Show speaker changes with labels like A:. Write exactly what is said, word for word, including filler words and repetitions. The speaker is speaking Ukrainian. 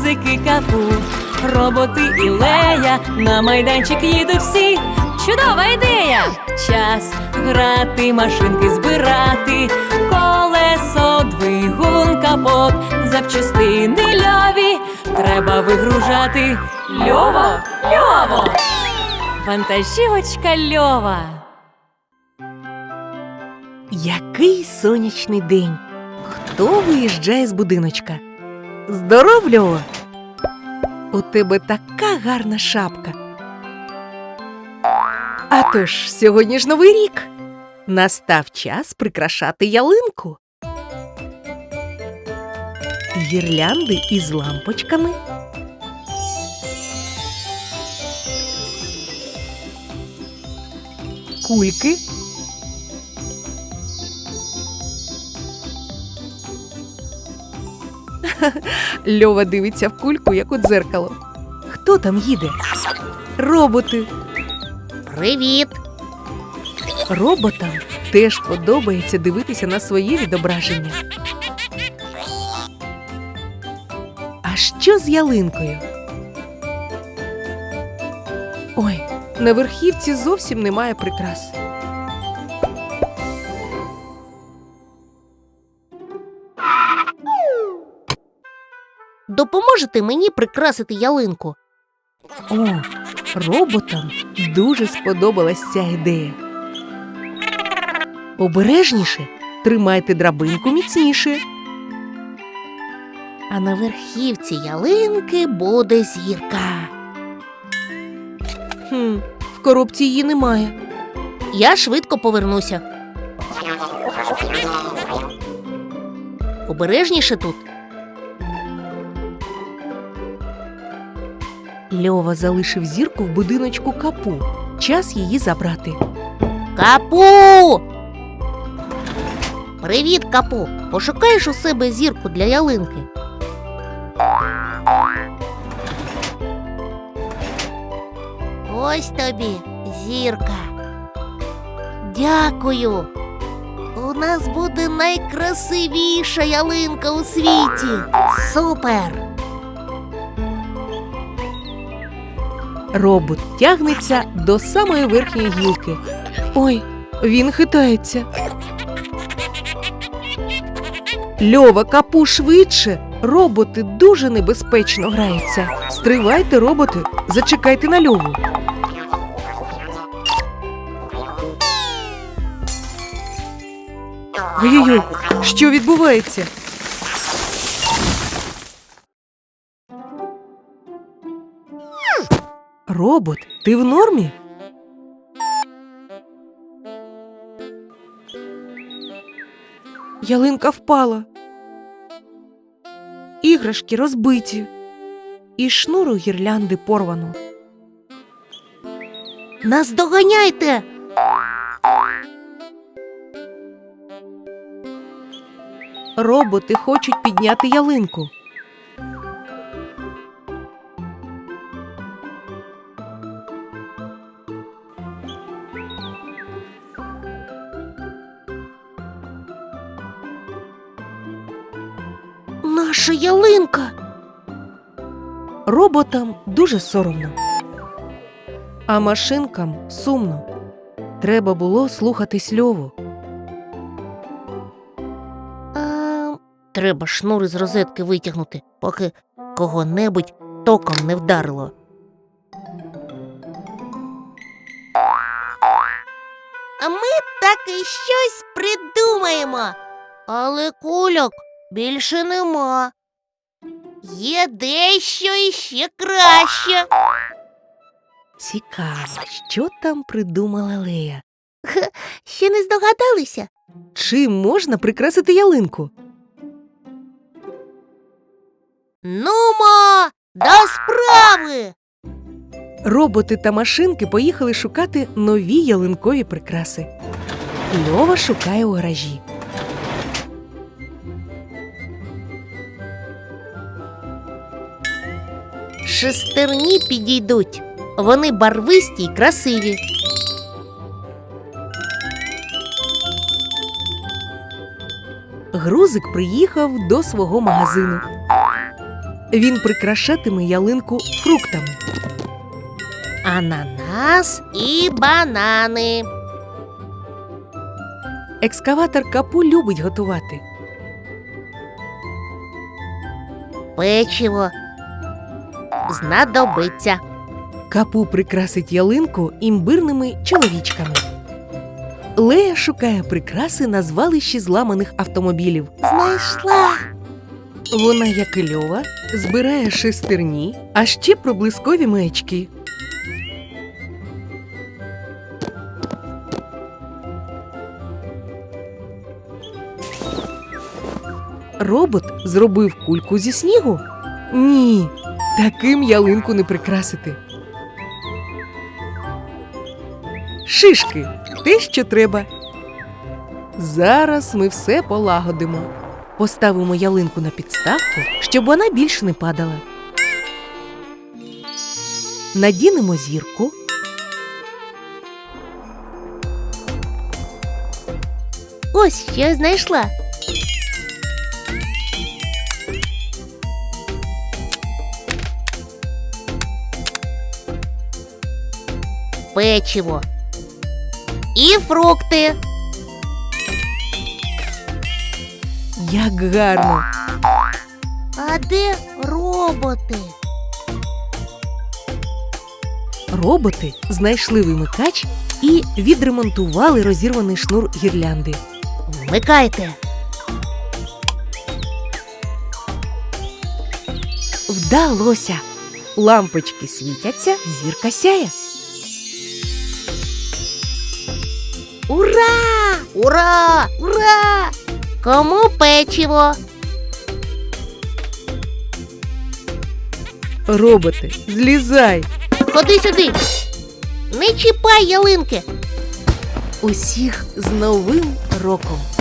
A: гузики Капу, роботи і Лея, на майданчик їдуть всі. Чудова ідея! Час грати, машинки збирати, колесо, двигун, капот, запчастини льові треба вигружати. Льово, льово! Вантажівочка Льова.
B: Який сонячний день! Хто виїжджає з будиночка? Здоров, Льова! У тебе така гарна шапка. А тож, сьогодні ж Новий рік. Настав час прикрашати ялинку. Гірлянди із лампочками. Кульки. Льова дивиться в кульку, як у дзеркало. Хто там їде? Роботи.
C: Привіт!
B: Роботам теж подобається дивитися на своє відображення. А що з ялинкою? Ой, на верхівці зовсім немає прикрас.
C: Допоможете мені прикрасити ялинку?
B: О, роботам дуже сподобалась ця ідея. Обережніше, тримайте драбинку міцніше.
C: А на верхівці ялинки буде зірка.
B: Хм, в коробці її немає.
C: Я швидко повернуся. Обережніше тут.
B: Льова залишив зірку в будиночку Капу. Час її забрати.
C: Капу! Привіт, Капу! Пошукаєш у себе зірку для ялинки? Ось тобі зірка. Дякую. У нас буде найкрасивіша ялинка у світі. Супер!
B: Робот тягнеться до самої верхньої гілки. Ой, він хитається. Льова, Капу, швидше! Роботи дуже небезпечно граються. Стривайте, роботи, зачекайте на Льову. Ой-ой-ой, що відбувається? Робот, ти в нормі? Ялинка впала. Іграшки розбиті. І шнур у гірлянди порвано.
C: Наздоганяйте!
B: Роботи хочуть підняти ялинку.
C: Наша ялинка!
B: Роботам дуже соромно. А машинкам сумно. Треба було слухатись Льову.
C: А, треба шнур із розетки витягнути, поки кого-небудь током не вдарило. А ми таки щось придумаємо. Але кульок більше нема. Є дещо іще краще.
B: Цікаво, що там придумала Лея?
C: Ще не здогадалися?
B: Чим можна прикрасити ялинку?
C: Нумо, до справи!
B: Роботи та машинки поїхали шукати нові ялинкові прикраси. Льова шукає у гаражі.
C: Шестерні підійдуть. Вони барвисті й красиві.
B: Грузик приїхав до свого магазину. Він прикрашатиме ялинку фруктами.
C: Ананас і банани.
B: Екскаватор Капу любить готувати.
C: Печиво. Знадобиться.
B: Капу прикрасить ялинку імбирними чоловічками. Лея шукає прикраси на звалищі зламаних автомобілів.
C: Знайшла.
B: Вона, як і Льова, збирає шестерні, а ще проблискові маячки. Робот зробив кульку зі снігу? Ні, таким ялинку не прикрасити. Шишки – те, що треба. Зараз ми все полагодимо. Поставимо ялинку на підставку, щоб вона більше не падала. Надінемо зірку.
C: Ось що я знайшла. Печиво. І фрукти.
B: Як гарно!
C: А де роботи?
B: Роботи знайшли вимикач і відремонтували розірваний шнур гірлянди.
C: Вмикайте.
B: Вдалося! Лампочки світяться, зірка сяє.
C: Ура! Ура! Ура! Кому печиво?
B: Роботи, злізай!
C: Ходи сюди. Не чіпай ялинки.
B: Усіх з Новим роком!